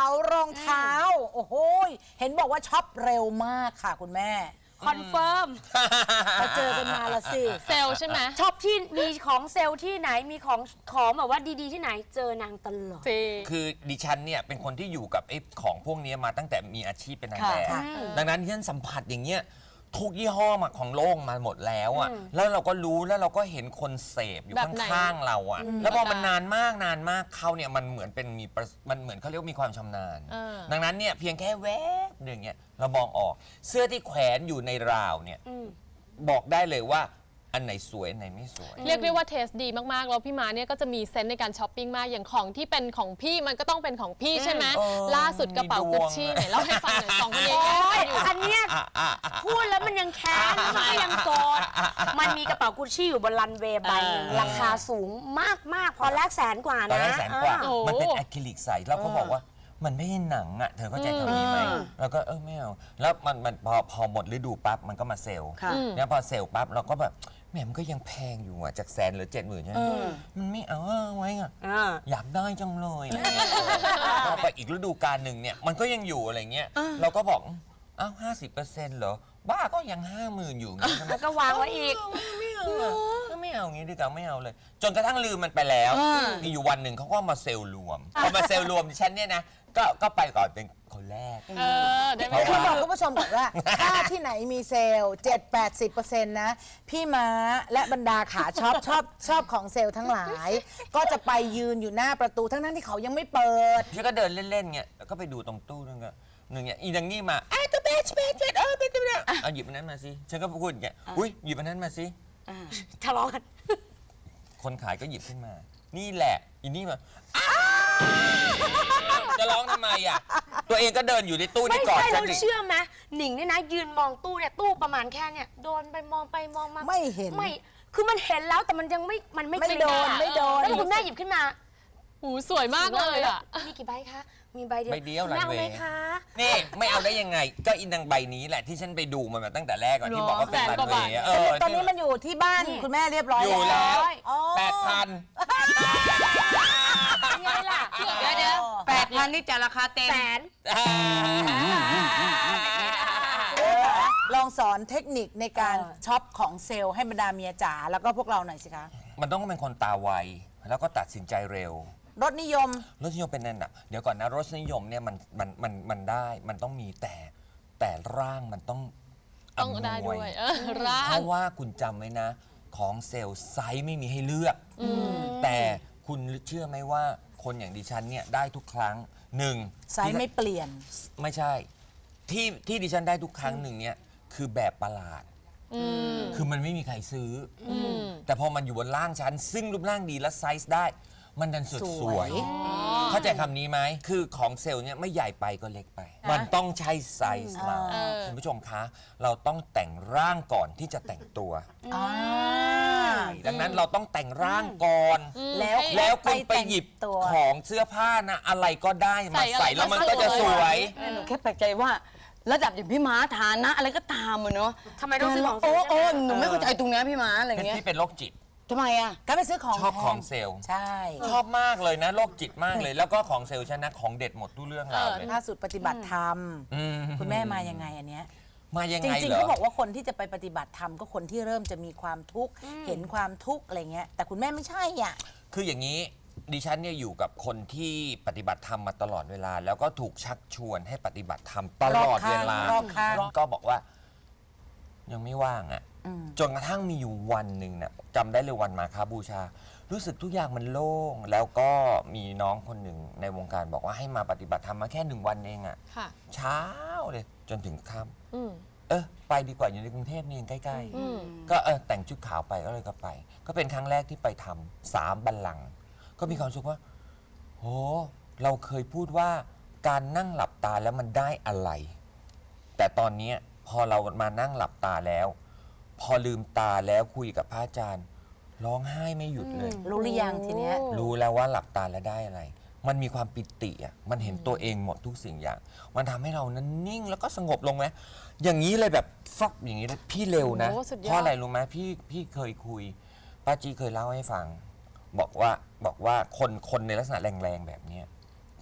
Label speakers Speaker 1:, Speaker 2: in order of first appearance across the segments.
Speaker 1: รองเท้าโอ้โหเห็นบอกว่าช็อปเร็วมากค่ะคุณแม่
Speaker 2: คอนเฟิร์ม
Speaker 1: เราเจอกันมาละสิ
Speaker 3: เซลใช่ไหม
Speaker 2: ชอบที่มีของเซลล์ที่ไหนมีของแบบว่าดีๆที่ไหนเจอนางตลอด
Speaker 4: คือดิฉันเนี่ยเป็นคนที่อยู่กับไอ้ของพวกนี้มาตั้งแต่มีอาชีพเป็นนางแบบดังนั้นที่ฉันสัมผัสอย่างเงี้ยทุกยี่ห้อมาของโลกมาหมดแล้วอ่ะแล้วเราก็รู้แล้วเราก็เห็นคนเสพอยู่ข้างๆเราอ่ะแล้วพอมันนานมากเขาเนี่ยมันเหมือนเป็นมันเหมือนเขาเรียกมีความชำนาญดังนั้นเนี่ยเพียงแค่แวบหนึ่งเนี่ยเรามองออกเสื้อที่แขวนอยู่ในราวเนี่ยบอกได้เลยว่าอันไหนสวยอันไหนไม่สวย
Speaker 3: เรียกได้ว่าเทสดีมากๆแล้วพี่ม้าเนี่ยก็จะมีเซนส์ในการช้อปปิ้งมากอย่างของที่เป็นของพี่มันก็ต้องเป็นของพี่ใช่ไหมล่าสุดกระเป๋ากุชชี่ไหนเล่าให้ฟังหน่อยสองคนนี้
Speaker 2: อันเนี้ยพูดแล้วมันยังแค้นมันก็ยังโกรธมันมีกระเป๋ากุชชี่อยู่บนรันเวย์ใบหนึ่งราคาสูงมากๆพอแรก100,000 กว่านะ
Speaker 4: ตอนแรก100,000 กว่ามันเป็นอะคริลิกใสเราก็บอกว่ามันไม่ใช่หนังอ่ะเธอเข้าใจคำนี้ไหมเราก็ไม่เอาแล้วมันพอหมดฤดูปั๊บมันก็มาเซลล์เนี่ยพอเซลล์ปั๊บเราก็แบบแหมมันก็ยังแพงอยู่อ่ะจาก100,000 หรือ 70,000ใช่ไหมมันไม่เอาไว้อ่ะอยากได้จังเลยพอไปอีกฤดูกาลหนึ่งเนี่ยมันก็ยังอยู่อะไรเงี้ยเราก็บอกอ้าว50%เหรอบ้าก็ยัง50,000อยู่งี้
Speaker 2: แล้วก็วางไว้อีก
Speaker 4: ไม่เอางี้ดีกว่าไม่เอาเลยจนกระทั่งลืมมันไปแล้วมีอยู่วันหนึ่งเขาก็มาเซลล์รวมพอมาเซลล์รวมดิฉันเนี่ยนะก็ไปก่อนเป็นคนแรก
Speaker 1: คือบอกคุณผู้ชมบอกว่าถ้าที่ไหนมีเซลล์ 7-80% นะพี่ม้าและบรรดาขาชอบของเซลล์ทั้งหลายก็จะไปยืนอยู่หน้าประตูทั้งที่เขายังไม่เปิด
Speaker 4: พี่ก็เดินเล่นๆเงี้ยแล้วก็ไปดูตรงตู้นึงก็หนึ่งเนี่ยอีดังนี่มาตัวเบสเป็นเอาหยิบอันนั้นมาสิฉันก็พูดอย่างเงี้ยอุ้ยหยิบอันนั้นมาสิ
Speaker 2: ทะเลาะกัน
Speaker 4: คนขายก็หยิบขึ้นมานี่แหละอีนี่มาจะร้องทำไมอ่ะตัวเองก็เดินอยู่ในตู้นี่ก่อน
Speaker 2: ไม่ใช่เราเชื่อไหมหนิงเนี่ยนะยืนมองตู้เนี่ยตู้ประมาณแค่เนี่ยโดนไปมองมา
Speaker 1: ไม่เห็น
Speaker 2: ไม่คือมันเห็นแล้วแต่มันยังไม่
Speaker 1: โดน
Speaker 2: แล้วคุณแม่หยิบขึ้นมา
Speaker 3: หูสวยมากเลยอ่ะ
Speaker 2: มีกี่ใบคะมีใบเดียว
Speaker 4: ใบเดียวหลังเว
Speaker 2: คะ
Speaker 4: นี่ไม่เอาได้ยังไงก็อินดังใบนี้แหละที่ฉันไปดูมันมาตั้งแต่แรกก่อนที่บอกว่าเป็นรันเวย์
Speaker 1: ตอนนี้มันอยู่ที่บ้านคุณแม่เรียบร้อย
Speaker 4: อยู่แล้ว8,000
Speaker 2: ยังไงล่ะ
Speaker 3: เดี๋ยว
Speaker 2: 8,000นี่จะราคาเต็ม
Speaker 1: ลองสอนเทคนิคในการช็อปของเซลล์ให้บรรดาเมียจ๋าแล้วก็พวกเราหน่อยสิคะ
Speaker 4: มันต้องเป็นคนตาไวแล้วก็ตัดสินใจเร็ว
Speaker 1: รสนิยม
Speaker 4: เป็นนั่นอ่ะเดี๋ยวก่อนนะรสนิยมเนี่ยมันได้มันต้องมีแต่ร่างมันต้อง
Speaker 3: ได้ด้วยร่าง
Speaker 4: เพราะว่าคุณจำไว้นะของเซลล์ไซส์ไม่มีให้เลือกแต่คุณเชื่อไหมว่าคนอย่างดิฉันเนี่ยได้ทุกครั้ง
Speaker 1: ไซส์ไม่เปลี่ยน
Speaker 4: ไม่ใช่ที่ดิฉันได้ทุกครั้งหนึ่งเนี่ยคือแบบประหลาดคือมันไม่มีใครซื้อแต่พอมันอยู่บนร่างฉันซึ่งรูปร่างดีและไซส์ได้มันดันสุดสวยเข้าใจคำนี้ไหมคือของเซลล์เนี่ยไม่ใหญ่ไปก็เล็กไปมันต้องใช้ไซส์เราคุณผู้ชมคะเราต้องแต่งร่างก่อนที่จะแต่งตัวดังนั้นเราต้องแต่งร่างก่อนแล้วคุณไปหยิบของเสื้อผ้านะอะไรก็ได้มาใส่แล้วมันก็จะสวย
Speaker 5: หนูแค่แปลกใจว่าระดับอย่างพี่ม้าฐานะอะไรก็ตามอะเนาะ
Speaker 2: ทำไมต้องซื้อของ
Speaker 5: หนูไม่เข้าใจตรงนี้พี่ม้าอะไรเงี้ย
Speaker 4: พี่เป็นโรคจิต
Speaker 5: ทำไมอ่ะ
Speaker 1: ก็ไปซื้อของ
Speaker 4: ชอบของเซลล์
Speaker 1: ใช่
Speaker 4: ชอบมากเลยนะโรคจิตมากเลยแล้วก็ของเซลล์ชนะของเด็ดหมดทุกเรื่องราวเลย
Speaker 1: ล่าสุดปฏิบัติธรรมคุณแม่มายังไงอันเนี้ย
Speaker 4: มายังไง
Speaker 1: จริงๆเขาบอกว่าคนที่จะไปปฏิบัติธรรมก็คนที่เริ่มจะมีความทุกข์เห็นความทุกข์อะไรเงี้ยแต่คุณแม่ไม่ใช่อ่ะ
Speaker 4: คืออย่างนี้ดิฉันเนี่ยอยู่กับคนที่ปฏิบัติธรรมมาตลอดเวลาแล้วก็ถูกชักชวนให้ปฏิบัติธรรมตลอดเวลาก็บอกว่ายังไม่ว่างอ่ะจนกระทั่งมีอยู่วันหนึ่งเนี่ยจำได้เลยวันมาฆบูชารู้สึกทุกอย่างมันโล่งแล้วก็มีน้องคนหนึ่งในวงการบอกว่าให้มาปฏิบัติธรรมมาแค่1 วันเองอ่ะเช้าเลยจนถึงค่ำไปดีกว่าอยู่ในกรุงเทพนี่เองใกล้ๆก็แต่งชุดขาวไปก็เลยก็ไปก็เป็นครั้งแรกที่ไปทำ3 บัลลังก์ก็มีความรู้สึกว่าโหเราเคยพูดว่าการนั่งหลับตาแล้วมันได้อะไรแต่ตอนนี้พอเรามานั่งหลับตาแล้วพอลืมตาแล้วคุยกับพระอาจารย์ร้องไห้ไม่หยุดเลย
Speaker 1: รู้หรือยังทีเนี้ย
Speaker 4: รู้แล้วว่าหลับตาแล้วได้อะไรมันมีความปิติอ่ะมันเห็นตัวเองหมดทุกสิ่งอย่างมันทำให้เรานั้นนิ่งแล้วก็สงบลงไหมอย่างนี้เลยแบบฟักอย่างนี้เลยพี่เร็วนะเพราะอะไรรู้ไหมพี่เคยคุยป้าจีเคยเล่าให้ฟังบอกว่าคนในลักษณะแรงๆแบบนี้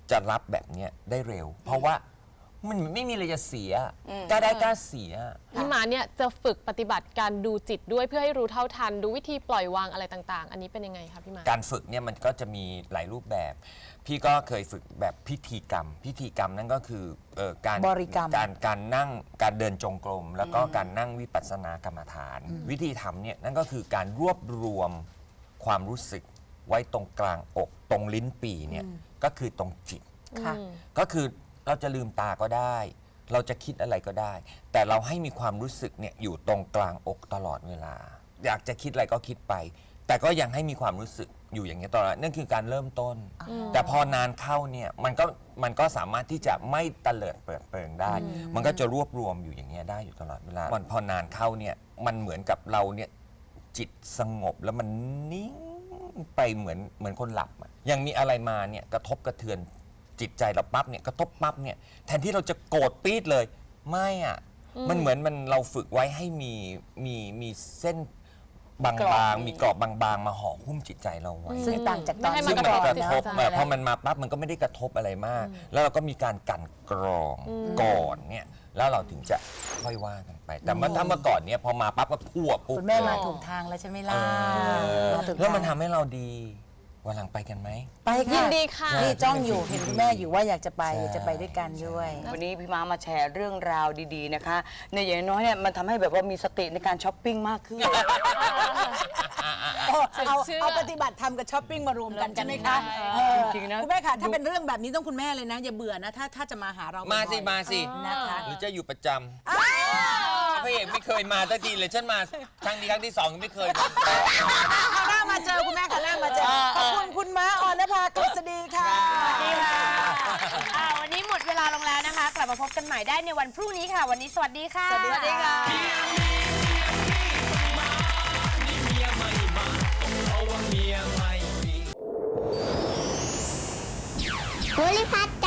Speaker 4: จะรับแบบเนี้ยได้เร็ว เพราะว่ามันไม่มีอะไรจะเสียกล้าได้กล้าเสีย
Speaker 3: พี่ม้าเนี่ยจะฝึกปฏิบัติการดูจิตด้วยเพื่อให้รู้เท่าทันดูวิธีปล่อยวางอะไรต่างๆ อันนี้เป็นยังไงคะพี่ม้า
Speaker 4: การฝึกเนี่ยมันก็จะมีหลายรูปแบบ พี่ก็เคยฝึกแบบพิธีกรรม พิธีกรรมนั่นก็คือการ
Speaker 1: บริกรรม
Speaker 4: การนั่งการเดินจงกรม แล้วก็การนั่งวิปัสสนากรรมฐาน วิธีทำเนี่ยนั่นก็คือการรวบรวมความรู้สึกไว้ตรงกลางอกตรงลิ้นปี่เนี่ยก็คือตรงจิต
Speaker 1: ค่ะ
Speaker 4: ก็คือเราจะลืมตาก็ได้ เราจะคิดอะไรก็ได้ แต่เราให้มีความรู้สึกเนี่ยอยู่ตรงกลางอกตลอดเวลา อยากจะคิดอะไรก็คิดไป แต่ก็ยังให้มีความรู้สึกอยู่อย่างนี้ยตลอดนั่นคือการเริ่มต้น แต่พอนานเข้าเนี่ยมันก็สามารถที่จะไม่เตลิดเปิดเปิงได้ มันก็จะรวบรวมอยู่อย่างเงี้ยได้อยู่ตลอดเวลามันพอนานเข้าเนี่ยมันเหมือนกับเราเนี่ยจิตสงบแล้วมันนิ่งไปเหมือนคนหลับอะยังมีอะไรมาเนี่ยกระทบกระเทือนจิตใจเราปั๊บเนี่ยกระทบปั๊บเนี่ยแทนที่เราจะโกรธปี๊ดเลยไม่อ่ะมันเหมือนเราฝึกไว้ให้มีเส้นบางๆมีกรอบบางๆมาห่อหุ้มจิตใจเราไว้
Speaker 1: ซึ่งต่างจากตอน
Speaker 3: ไม่ให้
Speaker 4: ซึ่งมันไม่กระทบ
Speaker 3: ใช่
Speaker 4: พอมันมาปั๊บมันก็ไม่ได้กระทบอะไรมาก แล้วเราก็มีการกลั่นกรองก่อนเนี่ยแล้วเราถึงจะค่อยว่ากันไป แต่ถ้าเมื่อก่อนเนี่ยพอมาปั๊บก็ทั่วปุ๊บ
Speaker 1: คุณแม่มาถูกทางแล้วใช่ไหมล่ะมาถูกทาง
Speaker 4: แล้วมันทำให้เราดีวันหลังไปกันไหม
Speaker 1: ไปค่ะ
Speaker 3: ยินดีค่ะ
Speaker 1: นี่จ้องอยู่เห็นคุณแม่อยู่ว่าอยากจะไปจะไปด้วยกันด้วย
Speaker 5: วันนี้พี่ม้ามาแชร์เรื่องราวดีๆนะคะในอย่างน้อยเนี่ยมันทำให้แบบว่ามีสติในการช้อปปิ้งมากขึ้น
Speaker 1: เอาปฏิบัติธรรมกับช้อปปิ้งมารวมกันใช่ไหมคะ
Speaker 5: จริงๆนะ
Speaker 1: คุณแม่ค่ะถ้าเป็นเรื่องแบบนี้ต้องคุณแม่เลยนะ อย่าเบื่อนะถ้าจะมาหาเรา
Speaker 4: มา
Speaker 1: บ่
Speaker 4: สิ
Speaker 1: อย
Speaker 4: มาสิ
Speaker 1: นะคะ
Speaker 4: หรือจะอยู่ประจำพระเอกไม่เคยมาตั้งทีเลยฉันมาครั้งนี้ครั้งที่สองยังไม่เคยมา
Speaker 1: เอาหน้ามาเจอคุณแม่ค่ะหน้ามาเจอขอบคุณคุณม้าออนภากฤษฎีค่ะ
Speaker 2: ดีค่ะวันนี้หมดเวลาลงแล้วนะคะ กลับมาพบกันใหม่ได้ในวันพรุ่งนี้ค่ะ วันนี้สวัสดีค่ะ
Speaker 1: สวัสดีค่ะ
Speaker 6: ภูริพัฒน์